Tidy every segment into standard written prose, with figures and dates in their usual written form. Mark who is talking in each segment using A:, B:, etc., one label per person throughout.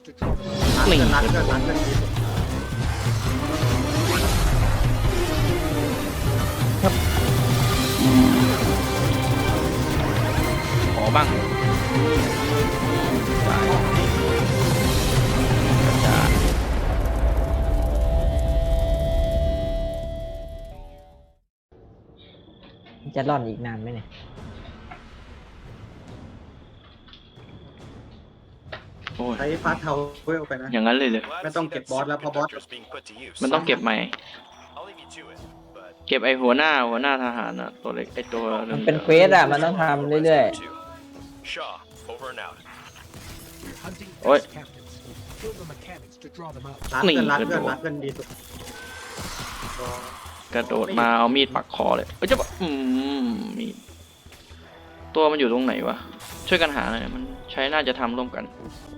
A: หนี
B: ร้านเกินดีสุด
A: ขอบ้างได้กระจาด
C: จะร่อนอีกนานไหมเนี่ย
A: โอ้ย
B: ใช้ฟาสเทาเวลไปนะ
A: อย่างนั้นเลยเลย
B: ไม่ต้องเก็บบอสแล้วเพราะบอส
A: มันต้องเก็บใหม่ เก็บไอหัวหน้าทหารอะตัวเล็กไอตัว
C: มันเป็นเควสอะมันต้องทำเรื่อย
A: โอ้ย
B: ร้าน
A: หนี
B: เกิน
A: กระโดด
B: ร้านเกินดีสุด
A: กระโดดมาเอามีดปักคอเลยเอ้ยจะบอกมีดตัวมันอยู่ตรงไหนวะช่วยกันหาหน่อยมันใช้น่าจะทำร่วมกัน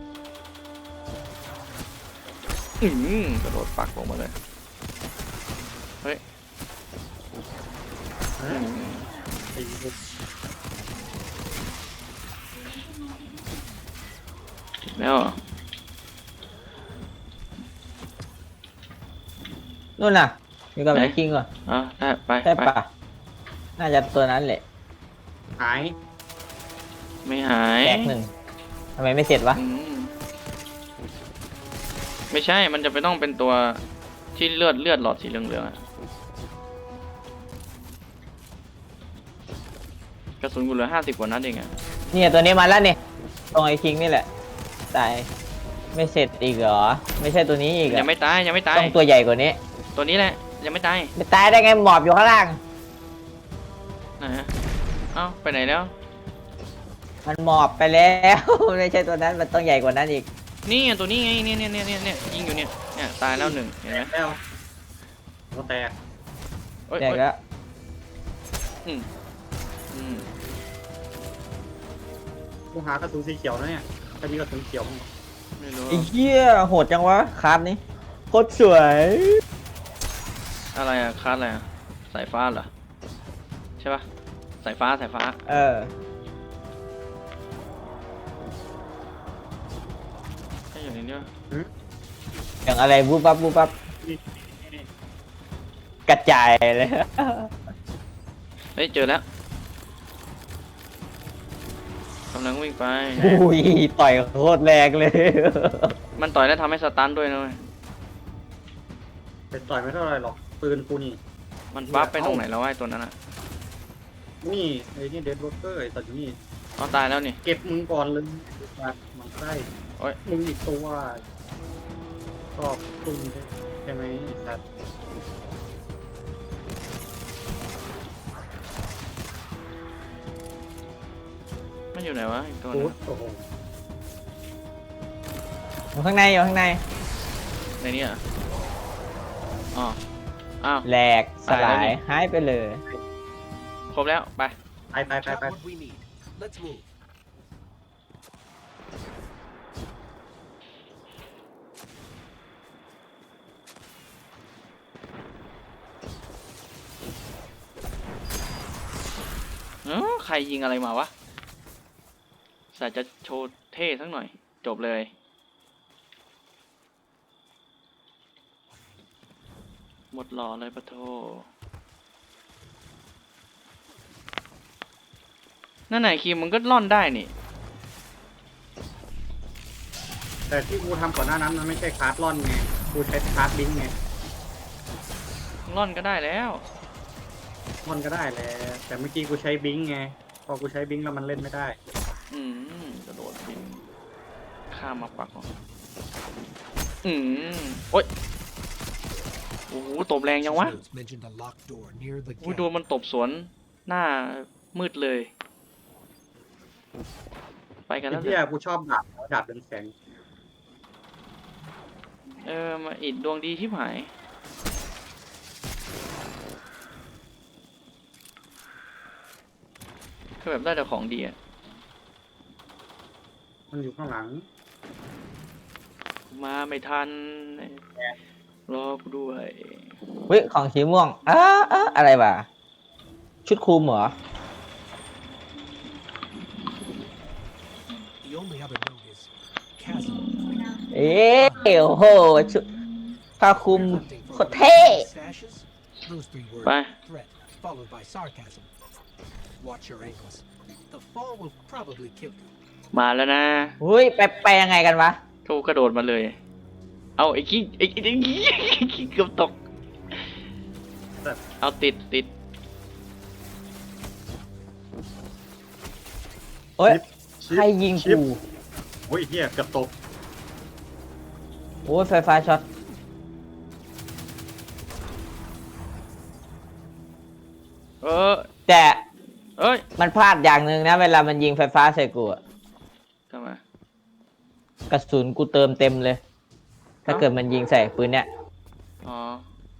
A: กระโดดปักลงมาเลยเฮ้ย
B: ตีสุด
A: แล้วเหรอ
C: ๆนู่นน่ะอยู่กับ
A: ไหน
C: ไอ้คิงก่อน
A: ได้ไป
C: ใช่
A: ไป
C: ปะน่าจะตัวนั้นแหละ
B: หาย
A: ไม่หาย
C: แตกหนึ่งทำไมไม่เสร็จวะ
A: ไม่ใช่มันจะไปต้องเป็นตัวที่เลือดหลอดสีเหลืองๆอะกระสุนกูเหลือ50 กว่านัดเองอะ
C: เนี่ยตัวนี้มาแล้วเนี่ยตรงไอ้คิงนี่แหละตายไม่เสร็จอีกเหรอไม่ใช่ตัวนี้อีกเหร
A: ยั
C: อง
A: ไม่ตายยังไม่ตาย
C: ต้องตัวใหญ่กว่านี้
A: ตัวนี้แหละยังไม่ตาย
C: ไม่ตายได้ไงหมอบอยู่ข้างล่าง
A: ไหนฮะเอ้าไปไหนแล้ว
C: มันหมอบไปแล้ว ไม่ใช่ตัวนั้นมันต้องใหญ่กว่านั้นอีก
A: นี่ไงตัวนี้ไงเนี่ยยิงอยู่เนี่ยตายแล้วหนึ่งเห็นไหม
B: แล้วก็แตก
A: โอ๊ย
C: แตกแล้ว
A: อืมอืม
B: กูหากระสุนสีเขียวนะเนี่ยถ้ามีกระสุนเขียวมั้ง
A: ไม่รู้
C: ไอ้เหี้ยโหดจังวะคราฟนี้โคตรสวย
A: อะไรอะคาดอะไรอะสายฟ้าเหรอใช่ปะสายฟ้า
C: เออ
A: ใช่อยู่ในนี้ปะ
C: อย่างอะไรบูบับบูบับ
B: นี่
C: กระจายเลย
A: เฮ้ยเจอแล้วกำลังวิ่งไป
C: อุ้ยต่อยโคตรแรงเลย
A: มันต่อยแล้วทำให้สตันด้วยนะเว้ย
B: ไปต่อยไม่เท่าไรหรอกปืนกูนี่
A: มันปั๊บไปตรงไหนแล้ววะไอ้ตัวนั้นอะ
B: นี่ไอ้นี่เดดโรเกอร์ไอ้สัตว์อยู่นี่
A: อ๋อตายแล้วนี่
B: เก็บมึงก่อนเลยมันไส้
A: โอ๊ย
B: มึงอีกตัวชอบตุ้มใช่ไหมไอ้สัตว์
A: มันอยู่ไหนวะอีกตัว
B: กู
A: นึง
B: โอ้โห
C: อยู่ข้างในอยู่ข้างใน
A: ในนี้อ่ะอ๋ออ้าว
C: แหลกสลายหายไปเลย
A: ครบแล้วไป
B: ไป
A: ใครยิงอะไรมาวะสายจะโชว์เท่สักหน่อย จบเลย หมดหล่อเลยปะโทนั่นไหนคีมมันก็ล่อนได้นี่
B: แต่ที่กูทำก่อนหน้านั้นมันไม่ใช่คาร์ดล่อนไงกูใช้คาร์ดลิงก์ไง
A: ล่อนก็ได้แล้ว
B: ล่อนก็ได้แหละแต่เมื่อกี้กูใช้บิงก์ไงพอกูใช้บิงก์แล้วมันเล่นไม่ได้
A: กระโดดบินข้ามมาปักของโอ๊ยโอ้โหตบแรงยังวะอุ้ยโดนมันตบสวนหน้ามืดเลย ไปกัน
B: ไอ้
A: แล้ว
B: ที่กูชอบดาบเรืองแสง
A: มาอิดดวงดีที่หายคือแบบได้แต่ของดีอะ
B: มันอยู่ข้างหลัง
A: มาไม่ทันรอกูด้วย
C: เฮ้ยของสีม่วงอะไรวะชุดคลุมเหรอ
D: The only other note is chasm.
C: เอ๊ะโอ้โหชุดผ้าคลุมโคตรเท่
D: Those three words.
A: ไป
D: Threat, followed by sarcasm. Watch your ankles. The fall will probably kill you.
A: มาแล้วนะ
C: อุ้ยไปยังไงกันวะ
A: กูกระโดดมาเลย เอาไอ้ขี้ไอ้ขี้เกือบตก เอาติด
C: เอ้ย
B: ชิป
C: ใครยิง
B: ชิป
C: กู
B: โอ้ยเฮียเกือบตก
C: โอ้ยไฟฟ้าช็อต แต่
A: เอ้ย
C: มันพลาดอย่างหนึ่งนะ เวลามันยิงไฟฟ้าใส่กูอะ
A: ทำไม
C: กระสุนกูเติมเต็มเลย ถ้าเกิดมันยิงใส่ปืนเนี้ย
A: อ๋อ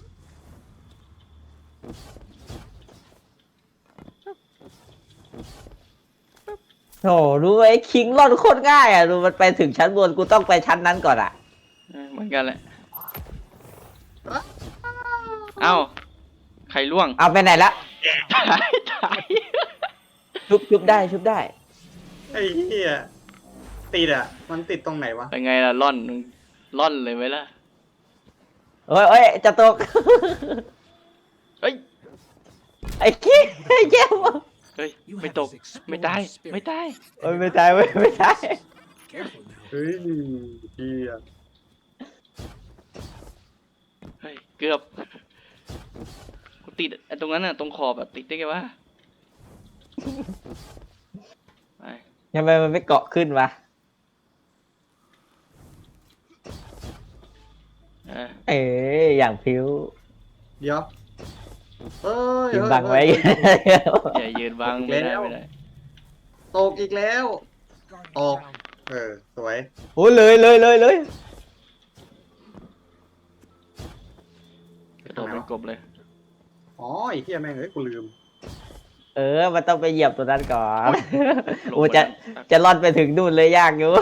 C: โหรู้ไหมคิงรอดโคตรง่ายอ่ะดูมันไปถึงชั้นบนกูต้องไปชั้นนั้นก่อนอ่ะ
A: เหมือนกันแหละ เอ้า ใครล่วง
C: เอาไปไหนละ
A: ตาย
C: ชุบได้ชุบได้
B: ไอ้เฮียติดอ่ะ มันติดตรงไหนวะ
A: เป็นไงล่ะล่อนเลยไหมล่ะ
C: เอ้ยจะตก
A: เฮ้ย
C: ไอ้คิงไอ้เจ้า
A: เฮ้ย ไม่ตก ไม่ตาย ไม่ตาย
C: เอ้ยไม่ตายเว้ยไม่ตาย
D: Careful now.
B: เฮ้ยเฮีย
A: เฮ้ย เกือบ กูติดไอ้ตรงนั้นน่ะ ตรงขอบอะติดได้ไงวะ ไป
C: ทำไมมันไม่เกาะขึ้นวะ
A: เออ
C: เอ้ยอย่างพิ้ว
B: เดี๋ยวเฮ้ย
C: ยิงบังไว้
A: อย่ายืนบังไม่ได้ไม่ได้
B: ตกอีกแล้ว
D: Guardian
B: Oh.
D: down.
B: สวย
C: โอ้ยเลย
A: กระโดดเป็นกบเลย
B: อ๋อไอ้เฮียแม่งเอ้ยกูลืม
C: มันต้องไปเหยียบตัวนั้นก่อน
A: ลง
C: โอ้
A: ไป
C: จะ
A: แล้ว
C: จะรอดไปถึงนู่นเลยยากอยู่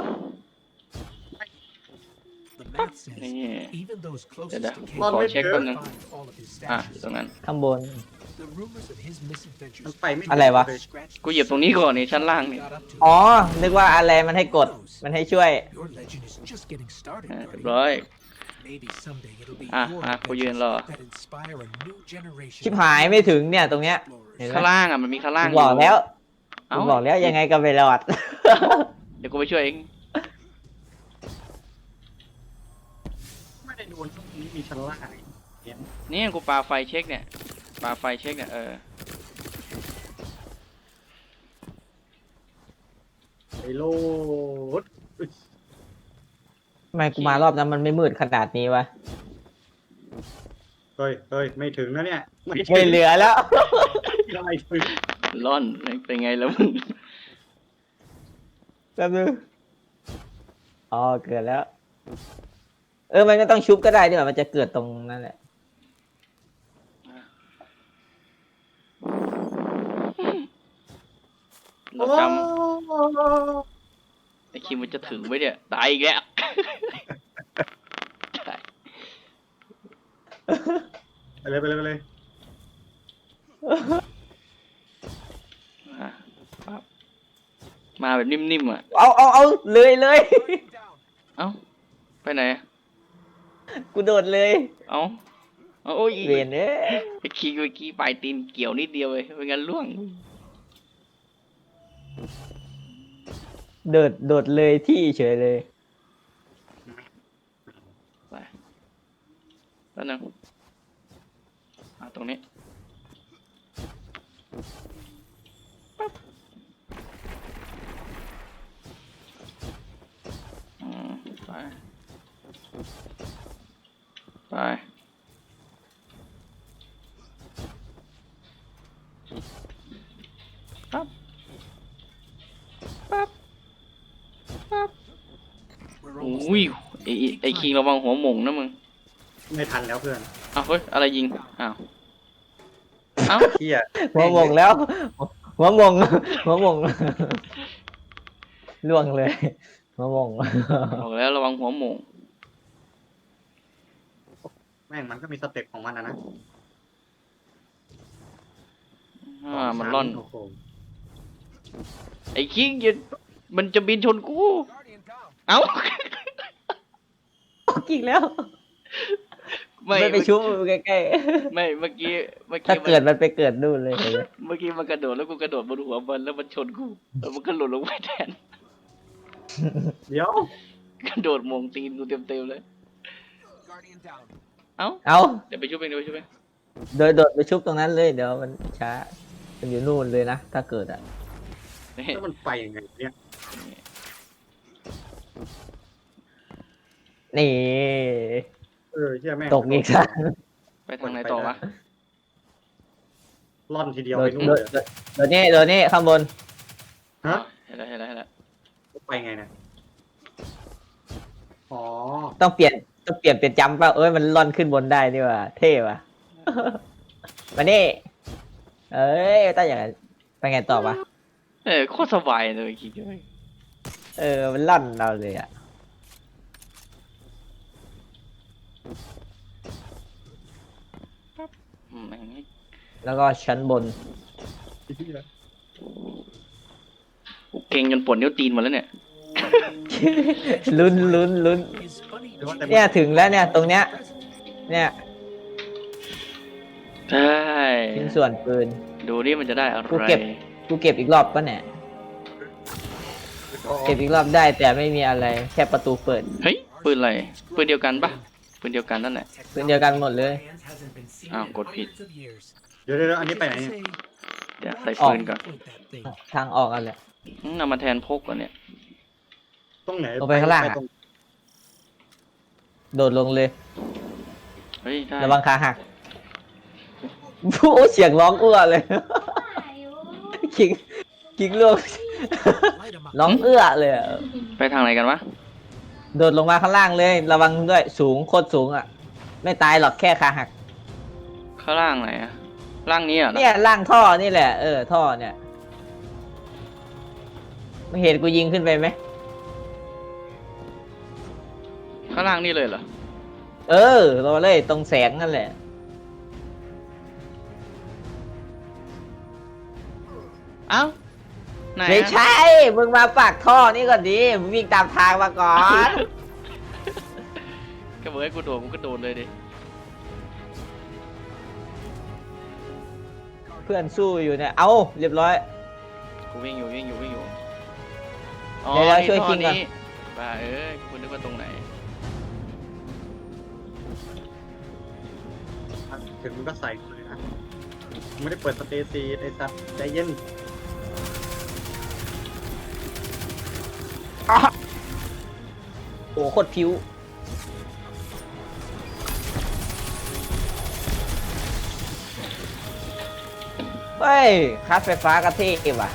D: The math says
A: นี่
D: even those
A: เดี๋ยว
D: closest to
A: ขอ
D: Kate
A: เช็คแป๊บนึง
D: find all of his
A: อ่ะอยู่
D: stashes.
A: ตรงนั้น
C: ข้างบน
D: The rumors of his misadventures
B: มันไปไม่ถึง
C: อะไรวะ
B: เลย
D: scratched
A: กูเหยียบตรงนี้ก่อนนี่ชั้นล่างนี่
D: got up to.
C: อ๋อ นึกว่าอะไรมันให้กด มันให้ช่วย
D: Your legend is just getting started,
A: เรียบ
D: Guardian.
A: ร้อย
D: Maybe someday it'll be
A: Ah,
D: your
A: ah, côยืน
D: adventures
A: รอ
D: that inspire a new generation
C: ชิบหายไม่ถึงเนี่ยตรงเนี้ย
D: explorers.
C: เห็นไหม
A: ข้างล่างอ่ะมันมีข้างล่าง
C: กูบอกแล้ว
A: เอ้า
C: กูบอกแล้วยังไงก็ไม่รอด
A: เดี๋ยวกูไปช่วยเอง
B: ไม่ได้โดนช่วงนี้มีชั้นล่างเห็น
A: นี่กูปาไฟเช็คเนี่ยปาไฟเช็คเนี่ย
B: ไอ้โลดอุ๊ย
C: ทำไมกูมารอบนั้นมันไม่มืดขนาดนี้วะ
B: เฮ้ยไม่ถึงนะเนี่ยไม่ถึง
C: ไม่เหลือแล้ว
B: ไม่ถึง
A: ร่อนเป็นไงแล้วมึง
C: แป๊บนึงอ๋อเกิดแล้ว มันก็ต้องชุบก็ได้ดีกว่ามันจะเกิดตรงนั้นแหละ
A: เราจำไอ้คิมมันจะถึงไว้เนี่ยตายอีกแล้วตาย
B: ไปเลย
A: อ่ะปั๊บมาแบบนิ่มๆอ่ะ
C: เอาเลย
A: เอ้าไปไหนอะ
C: กูโดดเลย
A: เอ้าโอ้ย
C: เวียนเอ้ย
A: ไอ้คิงเมื่อกี้ปลายตีนเกี่ยวนิดเดียวเลยไม่งั้นล่วง
C: โดดเลยที่เฉยเลย
A: ไปแล้วนึงตรงนี้ปั๊บไปไปปั๊บปั๊บปั๊บ
D: We're
A: โอ้
D: almost
A: ย
D: there.
A: ไอ้คิงระวังหัวหม่งนะมึง
B: ไม่ทันแล้วเพื่อน
A: อ้าวเฮ้ยอะไรยิงอ้าวเอ้า
B: เฮีย
C: หัวหมงแล้ว หัวหมงล่วงเลย หัวหมง
A: บอกแล้วระวังหัวหม่ง
B: แม่งมันก็มีสเต็ปของมันนะ
A: มันร่อน
B: โอ้โห
A: ไอ้คิงอย่ามันจะบินชนกู
D: Guardian down.
A: เอ้า
C: กิ่งแล้ว
A: ไม่
C: ไม่ไปชุบใกล้
A: ไม่เมื่อกี้
C: ๆถ้าเกิดมันไปเกิดนู่นเลยเห็นไหม
A: เมื่อกี้มันกระโดดแล้วกูกระโดดบนหัวมันแล้วมันชนกูแล้วมันก็หล่นลงไปแทน
B: เดี๋ยว
A: กระโดดมงตีนกูเต็มๆเลย
D: Guardian down.
A: เอ้า
C: เอา
A: เดี๋ยวไปชุบเองเดี๋ยวไปชุบเอง
C: โดดไปชุบตรงนั้นเลยเดี๋ยวมันช้ามันอยู่นู่นเลยนะถ้าเกิดอ่ะ
A: นี่
B: แล้วมันไปยังไงเนี่ย
C: นี่
B: เชื่อแม่ง
C: ตกอีกแล้ว
A: ไปทางไหนต่อวะ
B: ล่อนทีเดียว
C: โด
B: ไป
C: ด
B: นู่น
C: โด
B: เล
C: ด
B: ย
C: โดดนี่โดดนี่ข้างบน
B: ฮะ
A: เห็นแล้ว
B: ไปไงเนี่ยอ๋อ
C: ต้องเปลี่ยนเป็นจัมป์ป่ะเอ้ยมันล่อนขึ้นบนได้นี่ว่ะเท่ว่ะ มานี่เอ้ยต้องอย่างนั้นไปไงต่อปะ
A: โคตรสบายเลยคิดเลย
C: มันล่อนเราเลยอ่ะ
A: แม่ง
C: แล้วก็ชั้นบน
A: กูเก่งจนปวดนิ้วตีนหมดแล้วเนี่ย
C: ลุ้น
D: His funny
B: หรือว่าแต่
C: เนี่ยถึงแล้วเนี่ยตรงเนี้ย เนี่ย
A: ใช่
C: ชิ้นส่วนปืน
A: ดูนี่มันจะได้อะไร
C: กูเก็บอีกรอบปะเนี่ยเก็บอีกรอบได้แต่ไม่มีอะไรแค่ประตูเปิด
A: เฮ้ยปืนอะไรปืนเดียวกันปะปืนเดียวกันนั่นแหละ
C: ปืนเดียวกันหมดเลย
D: hands hasn't been seen
A: Ah,
D: in
A: gộtผิด
D: hundreds of years.
B: เดี๋ยวอันนี้ไปไหนเนี่ย
A: เดี๋ยวใส่ปืนก่อน
D: Point that thing.
C: ทางออกกันแหละ
A: นำมาแทนพกก่อนเนี่ย
B: ตรงไหน
C: ลงไปข้างล่างอะ
B: ตรง
C: โดดลงเลย
A: เฮ้ยได้
C: ระวังขาหักโอ้เสียงร้องอื้อเลย คิงลูก
D: Light 'em up.
C: ร้องเอื้อเลยอะ
A: ไปทางไหนกันวะ
C: โดดลงมาข้างล่างเลย ระวังด้วยสูงโคตรสูงอ่ะ ไม่ตายหรอกแค่ขาหัก
A: ข้างล่างไหนอะล่างนี้อ่ะ
C: เนี่ยล่างท่อนี่แหละท่อเนี่ยไม่เห็นกูยิงขึ้นไปไหม
A: ข้างล่างนี่เลยเหรอ
C: รอเลยตรงแสงนั่นแหละ
A: เอ้าไหนอะ
C: ไม่ใช่ มึงมาปากท่อนี่ก่อนดิมึงวิ่งตามทางมาก่อน
A: ก็บอกให้กูโดดกูก็โดดเลยดิ
C: เพื่อนสู้อยู่เนี่ย เอาเรียบร้อย
A: กูวิ่งอยู่อ๋อ
C: เดี๋ยว
A: นี่
C: ช่วย
A: ท่อ
C: คิงก่อน
A: นี้บ้ากูนึกว่าตรงไหน
B: ถึงมันก็ใส่เลยนะไม่ได้เปิดสเตซีไอ้สัตว์ใจเย็น
C: โอ้โคตรผิวเฮ้ยคัสไฟฟ้ากระเทยว่ะ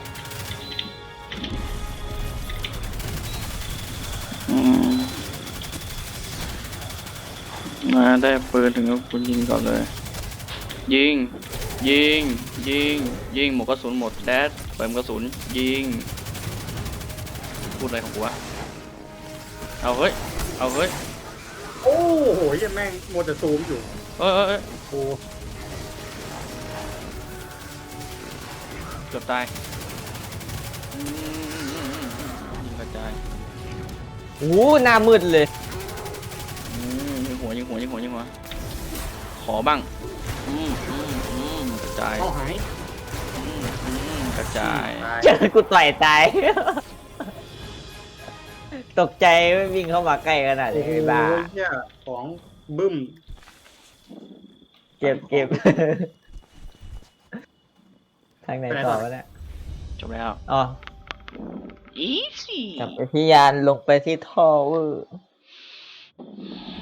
A: มาได้ปืนถึงก็คุณยิงก่อนเลย ยิงหมดกระสุนหมดแดดเปิดกระสุนยิงพูดอะไรของกูวะเอาเฮ้ย
B: โอ้โหเหี้ยแม่งโมวแต่ซูมอยู่
A: เอ้ย
B: โอ้
A: เกือบตายยิงกระจาย
C: โอ้หน้ามืดเลย
A: ยิงหัวขอบ้างกระจาย
B: เข้าหาย
A: กระจาย
B: ตาย
C: เจอกูต่อยตาย ตกใจไม่วิ่งเข้ามาใกล้ขนาด
B: โอ้
C: นี้
B: โห
C: ไอ้บ้า
B: เหี้ยของบึ้ม
C: เก็บ ทางไหนต่อวะเนี่ย
A: จบแล้ว
C: อ๋อ
A: easy
C: กลับไปที่ยานลงไปที่ท่อเวอร์